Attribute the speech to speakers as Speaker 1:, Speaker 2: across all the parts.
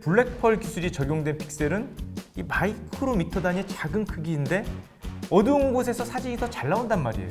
Speaker 1: 블랙펄 기술이 적용된 픽셀은 이 마이크로미터 단위의 작은 크기인데 어두운 곳에서 사진이 더 잘 나온단 말이에요.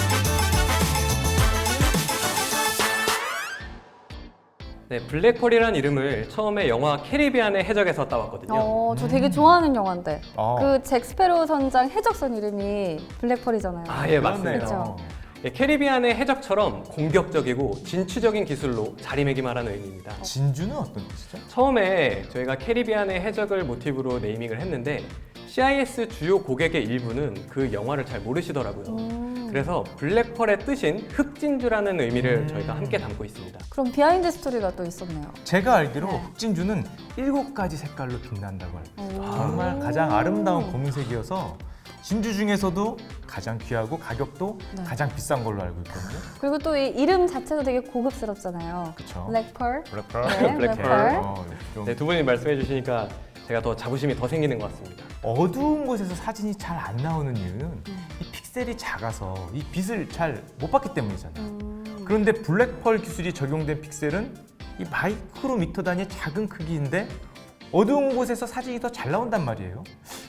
Speaker 2: 네, 블랙펄이라는 이름을 처음에 영화 캐리비안의 해적에서 따왔거든요.
Speaker 3: 저 되게 좋아하는 영화인데
Speaker 1: 아.
Speaker 3: 그 잭 스페로 선장 해적선 이름이 블랙펄이잖아요.
Speaker 2: 아, 예, 맞습니다.
Speaker 3: 그렇죠.
Speaker 2: 예, 캐리비안의 해적처럼 공격적이고 진취적인 기술로 자리매김하라는 의미입니다.
Speaker 1: 진주는 어떤 뜻이죠?
Speaker 2: 처음에 저희가 캐리비안의 해적을 모티브로 네이밍을 했는데 CIS 주요 고객의 일부는 그 영화를 잘 모르시더라고요. 그래서 블랙펄의 뜻인 흑진주라는 의미를 저희가 함께 담고 있습니다.
Speaker 3: 그럼 비하인드 스토리가 또 있었네요.
Speaker 1: 제가 알기로
Speaker 3: 네.
Speaker 1: 흑진주는 7가지 색깔로 빛난다고 알고
Speaker 3: 오.
Speaker 1: 정말 가장 아름다운 검은색이어서 진주 중에서도 가장 귀하고 가격도
Speaker 3: 네.
Speaker 1: 가장 비싼 걸로 알고 있거든요.
Speaker 3: 그리고 또 이 이름 자체도 되게 고급스럽잖아요.
Speaker 1: 그쵸?
Speaker 3: 블랙펄.
Speaker 1: 블랙펄.
Speaker 3: 네, 블랙펄.
Speaker 1: 좀
Speaker 2: 네, 두 분이 말씀해 주시니까 제가 더 자부심이 더 생기는 것 같습니다.
Speaker 1: 어두운 곳에서 사진이 잘 안 나오는 이유는 이 픽셀이 작아서 이 빛을 잘 못 받기 때문이잖아요. 그런데 블랙펄 기술이 적용된 픽셀은 이 마이크로미터 단위의 작은 크기인데 어두운 곳에서 사진이 더 잘 나온단 말이에요.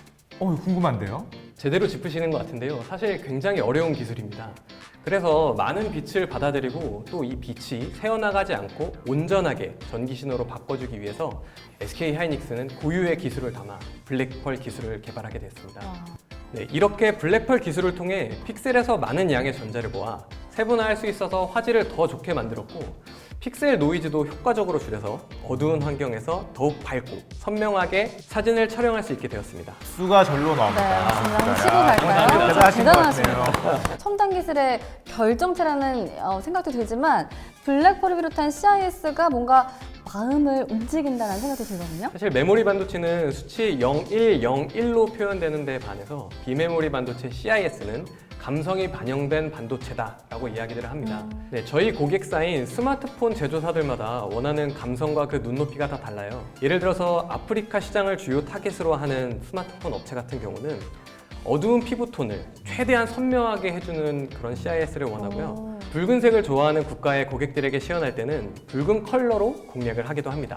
Speaker 1: 궁금한데요?
Speaker 2: 제대로 짚으시는 것 같은데요. 사실 굉장히 어려운 기술입니다. 그래서 많은 빛을 받아들이고 또 이 빛이 새어나가지 않고 온전하게 전기 신호로 바꿔주기 위해서 SK 하이닉스는 고유의 기술을 담아 블랙펄 기술을 개발하게 됐습니다. 네, 이렇게 블랙펄 기술을 통해 픽셀에서 많은 양의 전자를 모아 세분화할 수 있어서 화질을 더 좋게 만들었고 픽셀 노이즈도 효과적으로 줄여서 어두운 환경에서 더욱 밝고 선명하게 사진을 촬영할 수 있게 되었습니다.
Speaker 1: 수가 절로
Speaker 3: 네,
Speaker 1: 나옵니다.
Speaker 3: 진짜 한번 치고
Speaker 2: 감사합니다.
Speaker 3: 갈까요?
Speaker 1: 대단하신 것
Speaker 3: 대단하십니다. 첨단 기술의 결정체라는 생각도 들지만 블랙펄을 비롯한 CIS가 뭔가 마음을 움직인다는 생각도 들거든요.
Speaker 2: 사실 메모리 반도체는 수치 0101로 표현되는 데 반해서 비메모리 반도체 CIS는 감성이 반영된 반도체다라고 이야기를 합니다. 네, 저희 고객사인 스마트폰 제조사들마다 원하는 감성과 그 눈높이가 다 달라요. 예를 들어서 아프리카 시장을 주요 타겟으로 하는 스마트폰 업체 같은 경우는 어두운 피부톤을 최대한 선명하게 해주는 그런 CIS를 원하고요. 붉은색을 좋아하는 국가의 고객들에게 시연할 때는 붉은 컬러로 공략을 하기도 합니다.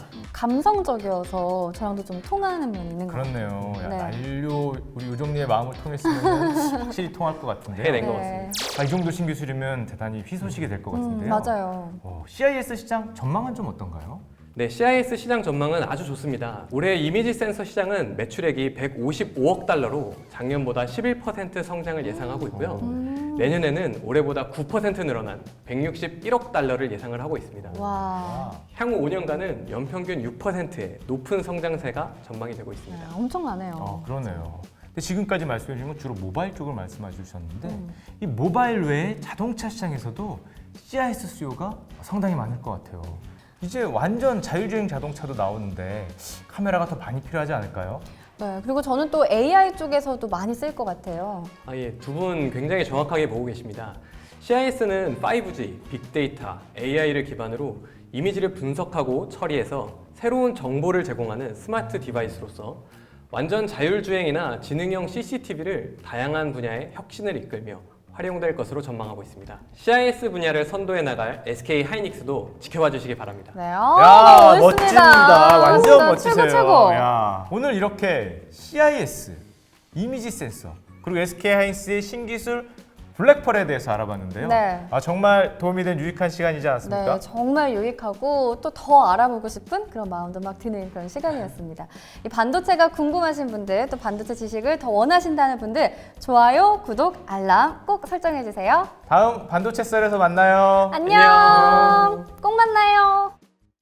Speaker 3: 감성적이어서 저랑도 좀 통하는 면이 있는 것 같아요.
Speaker 1: 그렇네요. 야,
Speaker 3: 네.
Speaker 1: 난료 우리 요정님의 마음을 통했으면 확실히 통할 것 같은데요.
Speaker 2: 해낸 것 같습니다.
Speaker 1: 이 정도 신기술이면 대단히 희소식이 될 것 같은데요.
Speaker 3: 맞아요.
Speaker 1: CIS 시장 전망은 좀 어떤가요?
Speaker 2: 네, CIS 시장 전망은 아주 좋습니다. 올해 이미지 센서 시장은 매출액이 155억 달러로 작년보다 11% 성장을 예상하고 있고요. 내년에는 올해보다 9% 늘어난 161억 달러를 예상을 하고 있습니다.
Speaker 3: 와,
Speaker 2: 향후 5년간은 연평균 6%의 높은 성장세가 전망이 되고 있습니다.
Speaker 3: 엄청나네요.
Speaker 1: 그러네요. 근데 지금까지 말씀해 주신 건 주로 모바일 쪽을 말씀해 주셨는데 이 모바일 외에 자동차 시장에서도 CIS 수요가 상당히 많을 것 같아요. 이제 완전 자율주행 자동차도 나오는데 카메라가 더 많이 필요하지 않을까요?
Speaker 3: 네, 그리고 저는 또 AI 쪽에서도 많이 쓸 것 같아요.
Speaker 2: 예, 두 분 굉장히 정확하게 보고 계십니다. CIS는 5G, 빅데이터, AI를 기반으로 이미지를 분석하고 처리해서 새로운 정보를 제공하는 스마트 디바이스로서 완전 자율주행이나 지능형 CCTV를 다양한 분야의 혁신을 이끌며 활용될 것으로 전망하고 있습니다. CIS 분야를 선도해 나갈 SK 하이닉스도 지켜봐 주시기 바랍니다.
Speaker 3: 네,
Speaker 1: 야,
Speaker 3: 멋있습니다.
Speaker 1: 멋집니다. 완전
Speaker 3: 진짜
Speaker 1: 멋지세요.
Speaker 3: 최고 최고.
Speaker 1: 야, 오늘 이렇게 CIS, 이미지 센서, 그리고 SK 하이닉스의 신기술 블랙펄에 대해서 알아봤는데요.
Speaker 3: 네.
Speaker 1: 정말 도움이 된 유익한 시간이지 않았습니까?
Speaker 3: 네, 정말 유익하고 또 더 알아보고 싶은 그런 마음도 막 드는 그런 시간이었습니다. 이 반도체가 궁금하신 분들, 또 반도체 지식을 더 원하신다는 분들, 좋아요, 구독, 알람 꼭 설정해 주세요.
Speaker 1: 다음 반도체 썰에서 만나요.
Speaker 3: 안녕. 꼭 만나요.